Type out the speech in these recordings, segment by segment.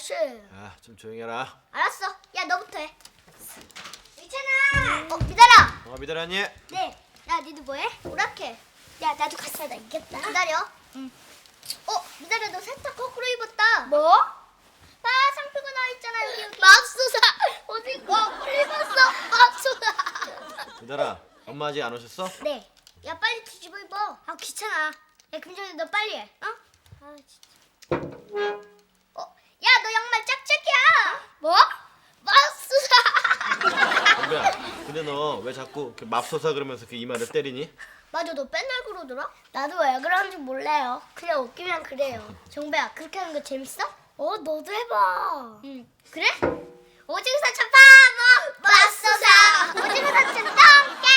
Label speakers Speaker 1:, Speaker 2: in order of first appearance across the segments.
Speaker 1: 아저씨.
Speaker 2: 좀 조용히 해라.
Speaker 1: 알았어. 야, 너부터 해. 있잖아. 미달아.
Speaker 2: 미달아니?
Speaker 1: 네. 야, 니도 뭐해? 오락해. 야, 나도 같이 하자. 이겼다. 기다려. 응. 미달아, 너 살짝 거꾸로 입었다. 뭐? 봐, 상표가 나와 있잖아, 여기. 맙소사. 어디 거꾸로 입었어? 맙소사.
Speaker 2: 미달아, 엄마 아직 안 오셨어?
Speaker 1: 네. 야, 빨리 뒤집어 입어. 아, 귀찮아. 야, 금전이 너 빨리 해. 어? 아, 진짜. 야, 너 양말 짝짝이야. 뭐? 맙소사.
Speaker 2: 정배야, 근데 너 왜 자꾸 맙소사 그러면서 그 이마를 때리니?
Speaker 1: 맞아, 너 맨날 그러더라? 나도 왜 그러는지 몰라요. 그냥 웃기면 그래요. 정배야, 그렇게 하는 거 재밌어? 너도 해봐. 응, 그래? 오징어 사천 파먹 맙소사. 오징어 사천 똥개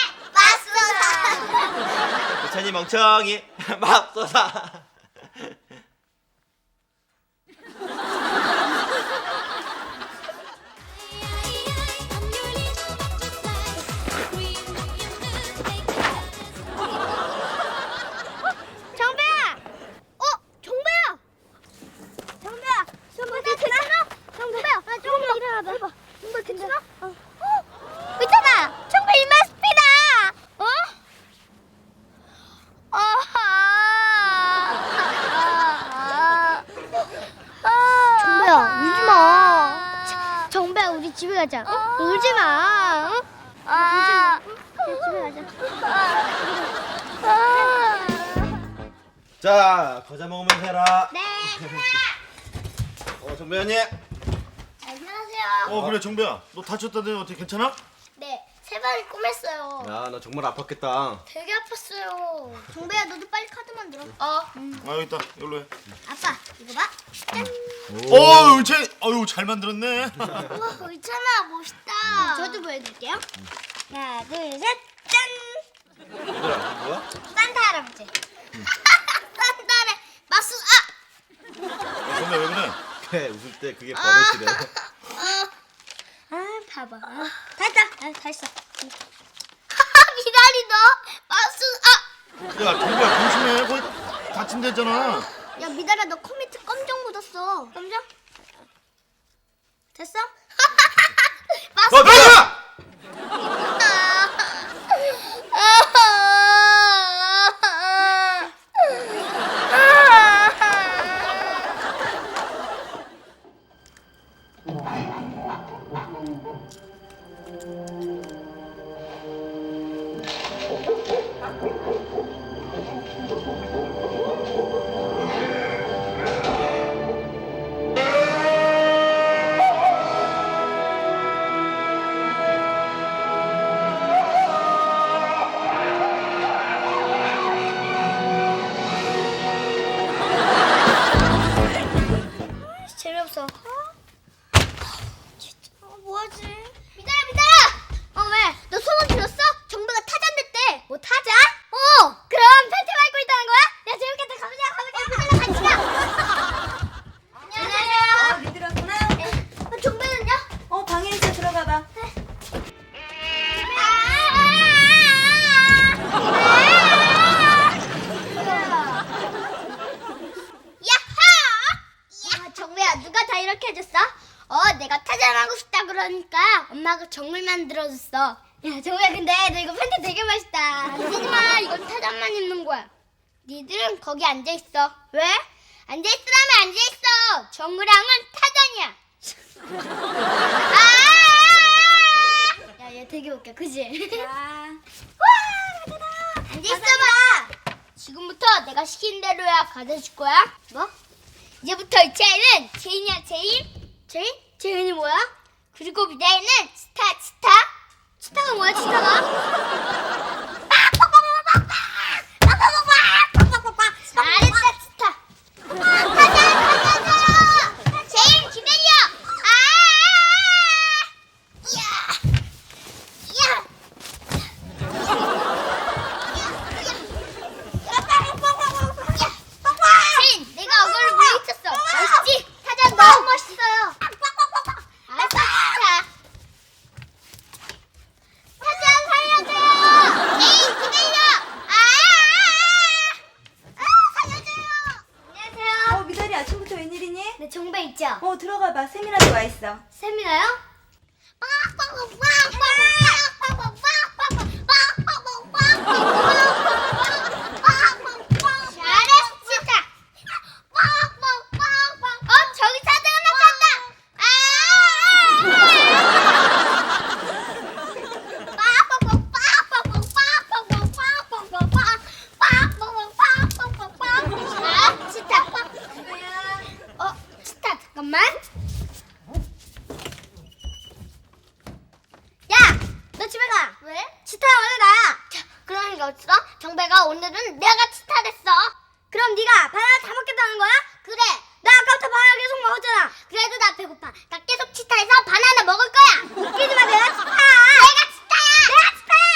Speaker 1: 맙소사.
Speaker 2: 이찬이 멍청이 맙소사.
Speaker 1: 정배야! 정배야! 정배야! 정배 괜찮아? 정배야! 조금만 일어나봐. 해봐. 정배 괜찮아? 있잖아! 정배 이마 스피다! 정배야, 울지 마. 정배야, 우리 집에 가자. 울지 마. 울지 마. 집에 가자.
Speaker 2: 자, 과자 먹으면서 해라.
Speaker 1: 네.
Speaker 2: 정배언니.
Speaker 1: 안녕하세요.
Speaker 3: 그래 정배야, 너 다쳤다더니 어떻게 괜찮아?
Speaker 1: 네, 세발이 꼬맸어요.
Speaker 2: 야, 너 정말 아팠겠다.
Speaker 1: 되게 아팠어요. 정배야, 너도 빨리 카드만 들어.
Speaker 3: 여기 있다, 이걸로 해.
Speaker 1: 아빠, 이거 봐. 짠.
Speaker 3: 잘 만들었네.
Speaker 1: 우와, 의찬아, 멋있다. 저도 보여드릴게요. 하나, 둘, 셋, 짠.
Speaker 2: 얘들아, 뭐야?
Speaker 1: 산타 할아버지. 산타네. 마수,
Speaker 3: 정배 왜 그래?
Speaker 2: 그래, 웃을 때 그게 버릇이래.
Speaker 1: 봐봐. 다 했다. 다 했어. 미달이 너 마수,
Speaker 3: 야 정배야 조심해, 거의 다친댔잖아.
Speaker 1: 야, 미달아, 너 컴퓨터 검정 묻었어. 검정? 됐어? 마수.
Speaker 2: 미달아!
Speaker 1: 재미없어. 진짜 뭐하지? 미달아! 왜? 너 소문 들었어? 정배가 타잔 됐대. 뭐 타잔? 그럼 팬티 밟고 있다는 거야? 야, 재밌겠다. 가보자. 같이 가. 안녕하세요.
Speaker 4: 니들 왔구나?
Speaker 1: 정배는요?
Speaker 4: 방에 있어, 들어가봐.
Speaker 1: 정배야, 누가 다 이렇게 해줬어? 내가 타잔하고 싶다 그러니까 엄마가 정글 만들어줬어. 야, 정배야, 근데 너 이거 팬티 되게 맛있다. 만지지 마. 이건 타잔만 입는 거야. 니들은 거기 앉아있어. 왜? 앉아있으라면 앉아있어. 정글랑은 타잔이야. 야, 얘 되게 웃겨, 그지?
Speaker 4: 자,
Speaker 1: 앉아있어봐. 지금부터 내가 시킨 대로야. 가져줄 거야. 뭐? 이제부터 이 차이는 제인이야, 제인. 제인? 제인이 뭐야? 그리고 미다이는 스타. 스타가 뭐야, 스타가? 잘했다, 스타. 가자. 제인, 기다려. 야. 제인, 내가 어그를 물리쳤어. 멋있지? 타잔 너무 멋있어요. 알았어, 스타. 타잔 살려줘요.
Speaker 4: 와 있어.
Speaker 1: 세미나요? 잘했어 진짜. 저기 사자가 나간다. 치타. 치타 잠깐만. 야, 너 집에 가. 왜? 치타 원래 나야. 자, 그러는 게 어딨어? 정배가 오늘은 내가 치타 됐어. 그럼 네가 바나나 다 먹겠다는 거야? 그래. 나 아까부터 바나나 계속 먹었잖아. 그래도 나 배고파. 나 계속 치타해서 바나나 먹을 거야. 웃기지 마, 내가 치타야. 내가 치타야. 내가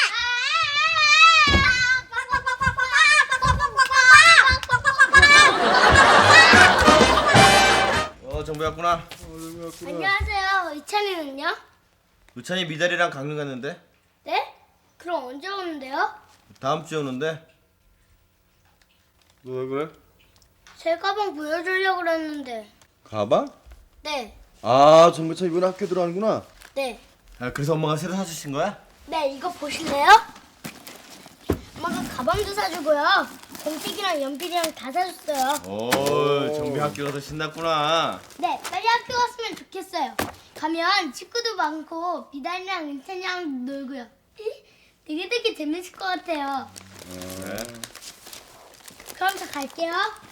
Speaker 2: 정배 왔구나.
Speaker 1: 치타야. 안녕하세요. 이찬이는요?
Speaker 2: 우찬이 미달이랑 강릉 갔는데
Speaker 1: 네? 그럼 언제 오는데요?
Speaker 2: 다음 주에 오는데.
Speaker 3: 너 왜 그래?
Speaker 1: 제 가방 보여주려고 그랬는데.
Speaker 3: 가방?
Speaker 1: 네.
Speaker 3: 아, 정배차 이번에 학교 들어가는구나.
Speaker 1: 네.
Speaker 2: 아, 그래서 엄마가 새로 사주신 거야?
Speaker 1: 네, 이거 보실래요? 엄마가 가방도 사주고요. 공책이랑 연필이랑 다 사줬어요.
Speaker 2: 오, 정배 학교 가서 신났구나.
Speaker 1: 네, 빨리 학교 갔으면 좋겠어요. 가면 친구도 많고 비단이랑 은찬이랑 놀고요. 되게 재밌을 것 같아요.
Speaker 2: 그래.
Speaker 1: 그럼 저 갈게요.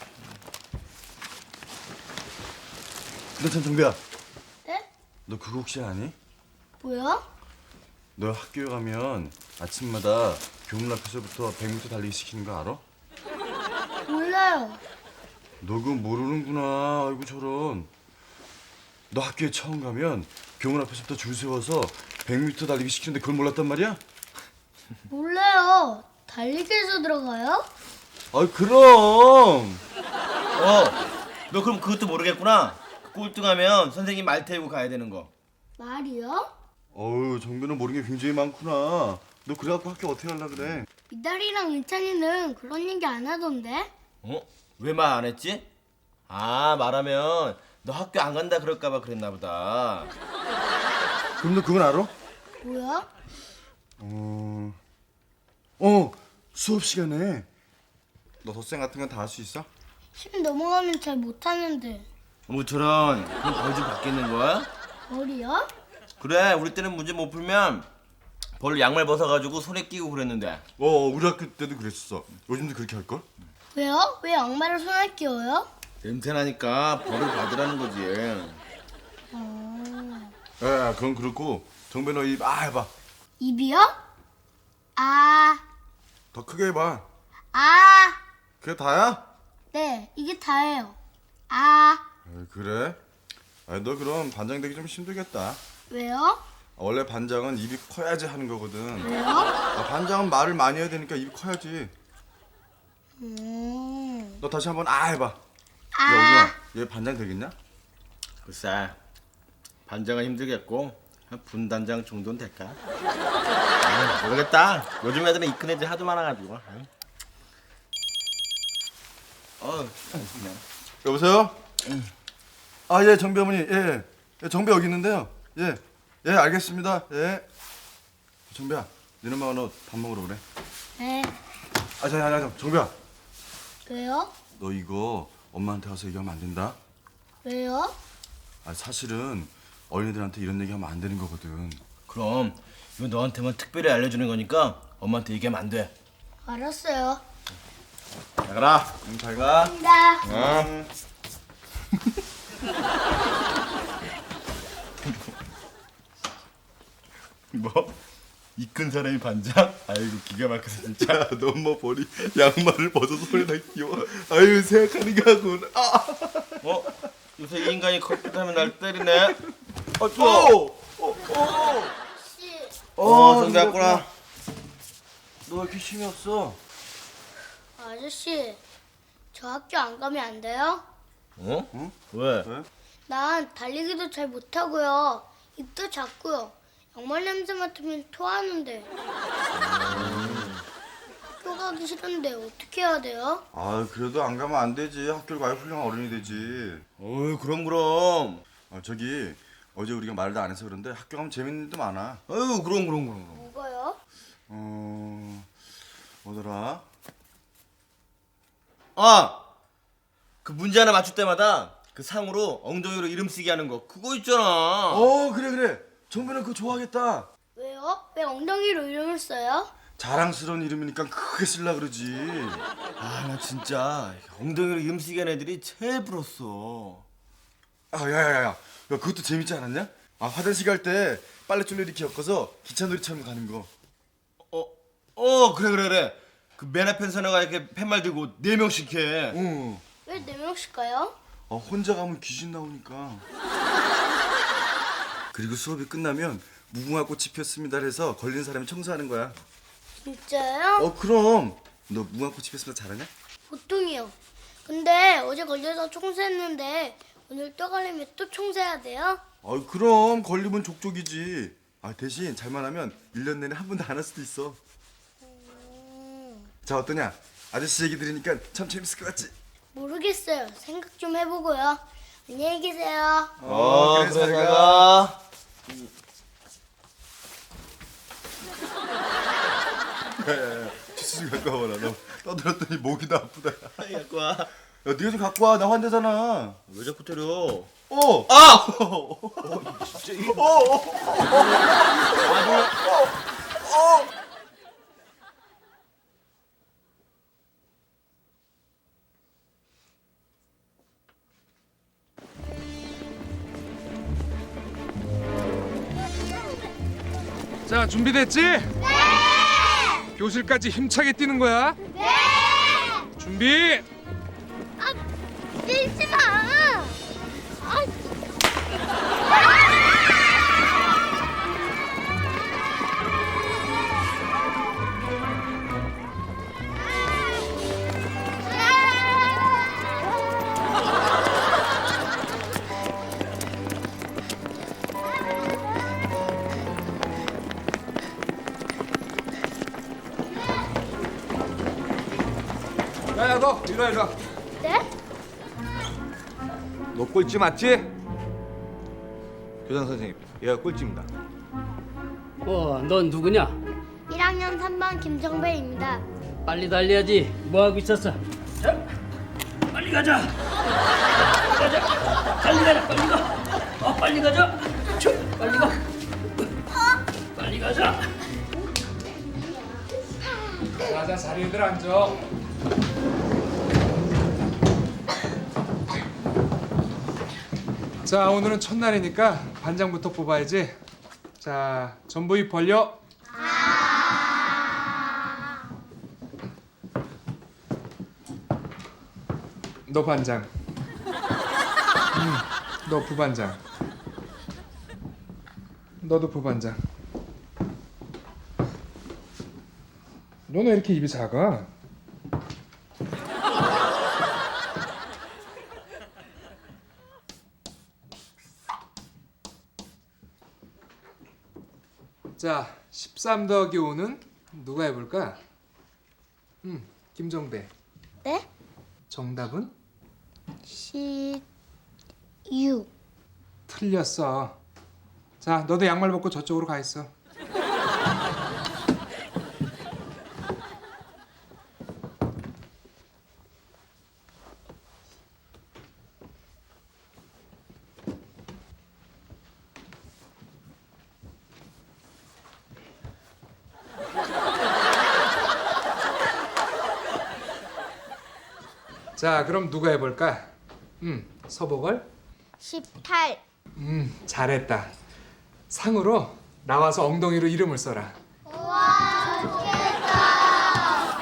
Speaker 3: 근데 참 정배야,
Speaker 1: 네?
Speaker 3: 너 그거 혹시 아니?
Speaker 1: 뭐야?
Speaker 3: 너 학교에 가면 아침마다 교문 앞에서부터 100m 달리기 시키는 거 알아?
Speaker 1: 몰라요.
Speaker 3: 너 그거 모르는구나. 아이고 저런. 너 학교에 처음 가면 교문 앞에서부터 줄 세워서 100m 달리기 시키는데 그걸 몰랐단 말이야?
Speaker 1: 몰라요. 달리기에서 들어가요?
Speaker 3: 아 그럼.
Speaker 2: 너 그럼 그것도 모르겠구나. 꼴등하면 선생님 말 태우고 가야 되는 거.
Speaker 1: 말이요?
Speaker 3: 어우 정배는 모르는 게 굉장히 많구나. 너 그래갖고 학교 어떻게 하려 그래?
Speaker 1: 미달이랑 은찬이는 그런 얘기 안 하던데?
Speaker 2: 왜 말 안 했지? 아, 말하면 너 학교 안 간다 그럴까봐 그랬나 보다.
Speaker 3: 그럼 너 그건 알아?
Speaker 1: 뭐야?
Speaker 3: 수업 시간에 너 덧셈 같은 건 다 할 수 있어?
Speaker 1: 10 넘어가면 잘 못하는데.
Speaker 2: 저런. 그럼 벌 좀 받겠는 거야?
Speaker 1: 머리요?
Speaker 2: 그래, 우리 때는 문제 못 풀면 벌 양말 벗어가지고 손에 끼고 그랬는데.
Speaker 3: 우리 학교 때도 그랬었어. 요즘도 그렇게 할걸?
Speaker 1: 왜요? 왜 양말을 손에 끼워요?
Speaker 2: 냄새나니까 벌을 받으라는 거지.
Speaker 3: 에 그건 그렇고 정배 너 입 해봐.
Speaker 1: 입이요? 아,
Speaker 3: 더 크게 해봐.
Speaker 1: 아,
Speaker 3: 그게 다야?
Speaker 1: 네, 이게 다예요. 아,
Speaker 3: 그래? 너 그럼 반장 되기 좀 힘들겠다.
Speaker 1: 왜요?
Speaker 3: 원래 반장은 입이 커야지 하는 거거든.
Speaker 1: 왜요?
Speaker 3: 반장은 말을 많이 해야 되니까 입이 커야지. 너 다시 한번 해봐. 야
Speaker 1: 아,
Speaker 3: 오준아, 얘 반장 되겠냐?
Speaker 2: 글쎄, 반장은 힘들겠고 한 분단장 정도는 될까? 모르겠다. 요즘 애들은 이 큰 애들 하도 많아가지고. 그냥.
Speaker 3: 여보세요? 예, 정배 어머니. 예, 정배 여기 있는데요. 예, 알겠습니다. 예. 정배야, 너네 엄마가 너 밥 먹으러 그래.
Speaker 1: 네,
Speaker 3: 자, 정배야.
Speaker 1: 왜요?
Speaker 3: 너 이거 엄마한테 가서 얘기하면 안 된다.
Speaker 1: 왜요?
Speaker 3: 사실은 어린애들한테 이런 얘기하면 안 되는 거거든.
Speaker 2: 그럼 이거 너한테만 특별히 알려주는 거니까 엄마한테 얘기하면 안 돼.
Speaker 1: 알았어요.
Speaker 2: 잘 가라.
Speaker 3: 잘 가.
Speaker 1: 감사합니다.
Speaker 2: 뭐? 이 큰 사람이 반장? 아이고 기가 막혀서 진짜.
Speaker 3: 너 뭐 버리 양말을 벗어서 손에다 끼워. 아유 생각하는 게 하군.
Speaker 2: 요새 이 인간이 컴퓨터 하면 날 때리네.
Speaker 3: 또.
Speaker 1: 씨,
Speaker 2: 정배 왔구나.
Speaker 3: 너 왜 이렇게 힘이 없어?
Speaker 1: 아저씨, 저 학교 안 가면 안 돼요?
Speaker 2: 응? 왜?
Speaker 1: 난 달리기도 잘 못하고요. 입도 작고요. 양말 냄새 맡으면 토하는데. 학교 가기 싫은데 어떻게 해야 돼요?
Speaker 3: 그래도 안 가면 안 되지. 학교를 가야 훌륭한 어른이 되지.
Speaker 2: 그럼.
Speaker 3: 저기 어제 우리가 말도 안 해서 그런데 학교 가면 재밌는 일도 많아.
Speaker 2: 아유 그럼.
Speaker 1: 뭐가요?
Speaker 3: 뭐더라?
Speaker 2: 아! 그 문제 하나 맞출 때마다 그 상으로 엉덩이로 이름 쓰기 하는 거 그거 있잖아.
Speaker 3: 그래. 정배는 그거 좋아하겠다.
Speaker 1: 왜요? 왜 엉덩이로 이름을 써요?
Speaker 3: 자랑스러운 이름이니까 크게 쓰려 그러지.
Speaker 2: 아 나 진짜 엉덩이로 이름 쓰기 하는 애들이 제일 부러웠어.
Speaker 3: 야야야야, 그것도 재밌지 않았냐? 화장실 갈 때 빨래줄로 이렇게 엮어서 기차놀이처럼 가는 거.
Speaker 2: 그래. 그 맨 앞에 선애가 이렇게 팻말 들고 4명씩 해.
Speaker 1: 왜 4명씩 가요?
Speaker 3: 혼자 가면 귀신 나오니까. 그리고 수업이 끝나면 무궁화 꽃이 피었습니다 해서 걸린 사람이 청소하는 거야.
Speaker 1: 진짜요?
Speaker 3: 그럼. 너 무궁화 꽃이 피었습니다 잘하냐?
Speaker 1: 보통이요. 근데 어제 걸려서 청소했는데 오늘 또 걸리면 또 청소해야 돼요?
Speaker 3: 그럼 걸리면 족족이지. 대신 잘만 하면 1년 내내 한 번도 안 할 수도 있어. 자, 어떠냐? 아저씨 얘기 들으니까 참 재밌을 것 같지?
Speaker 1: 모르겠어요. 생각 좀 해보고요. 안녕히 계세요.
Speaker 3: 그래, 잘
Speaker 2: 잘
Speaker 3: 가.
Speaker 2: 가.
Speaker 3: 야야야, 치수 좀 갖고 와봐라. 너 떠들었더니 목이 다 아프다.
Speaker 2: 갖고 와.
Speaker 3: 야, 네가 좀 갖고 와. 나 환자잖아.
Speaker 2: 왜 자꾸 때려?
Speaker 3: 아!
Speaker 2: 진짜
Speaker 5: 자, 준비됐지? 네! 교실까지 힘차게 뛰는 거야.
Speaker 1: 네!
Speaker 5: 준비.
Speaker 1: 밀지 마!
Speaker 5: 야야, 너 이리 와.
Speaker 1: 네?
Speaker 6: 너 꼴찌 맞지? 교장 선생님, 얘가 꼴찌입니다.
Speaker 7: 넌 누구냐?
Speaker 1: 1학년 3반 김정배입니다.
Speaker 7: 빨리 달려야지. 뭐 하고 있었어? 자, 빨리 가자. 빨리 가자. 빨리 가자. 빨리 가. 빨리 가자.
Speaker 5: 자, 자리들 앉아. 자, 오늘은 첫날이니까 반장부터 뽑아야지. 자, 전부 입 벌려. 너 반장. 너 부반장. 너도 부반장. 너는 왜 이렇게 입이 작아? 자, 13 더하기 5는 누가 해볼까? 김정배.
Speaker 1: 네?
Speaker 5: 정답은?
Speaker 1: 16.
Speaker 5: 틀렸어. 자, 너도 양말 벗고 저쪽으로 가 있어. 자, 그럼 누가 해볼까? 서보걸?
Speaker 1: 18.
Speaker 5: 잘했다. 상으로 나와서 엉덩이로 이름을 써라.
Speaker 1: 우와, 좋겠다.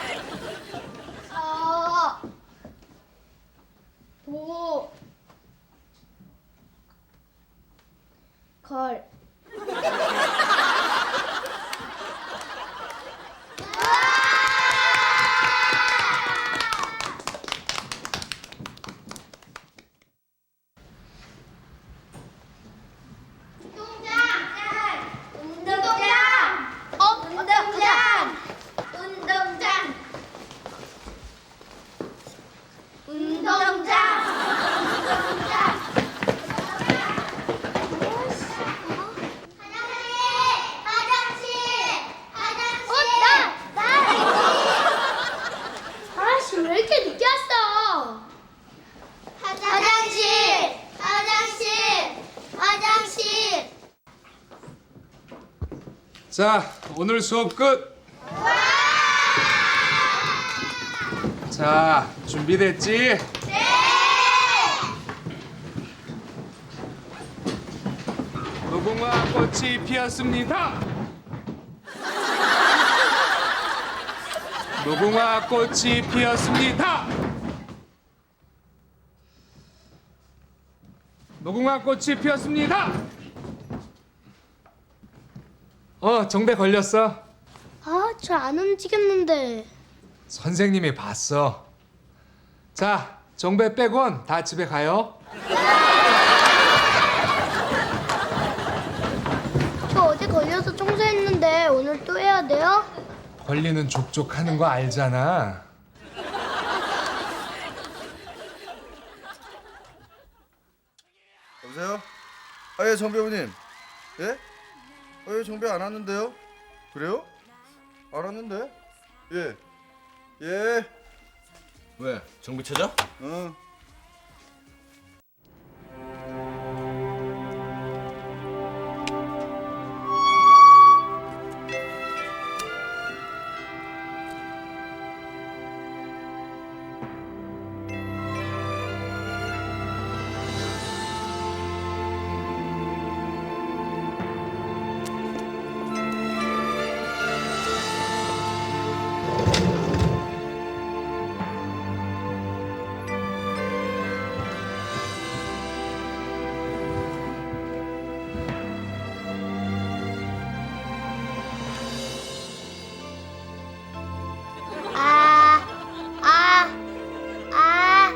Speaker 1: 5. 걸. 운동장!
Speaker 5: 자, 오늘 수업 끝. 자, 준비됐지? 네. 무궁화 꽃이 피었습니다. 무궁화 꽃이 피었습니다. 무궁화 꽃이 피었습니다. 정배 걸렸어.
Speaker 1: 아, 저 안 움직였는데.
Speaker 5: 선생님이 봤어. 자, 정배 빼곤 다 집에 가요.
Speaker 1: 저 어제 걸려서 청소했는데 오늘 또 해야 돼요?
Speaker 5: 걸리는 족족하는 거 알잖아.
Speaker 3: 여보세요? 아, 예, 정배우님. 예? 예, 정배 안 왔는데요? 그래요? 안 왔는데? 예. 예.
Speaker 2: 왜? 정비 찾아?
Speaker 3: 어.
Speaker 1: 아, 아, 아.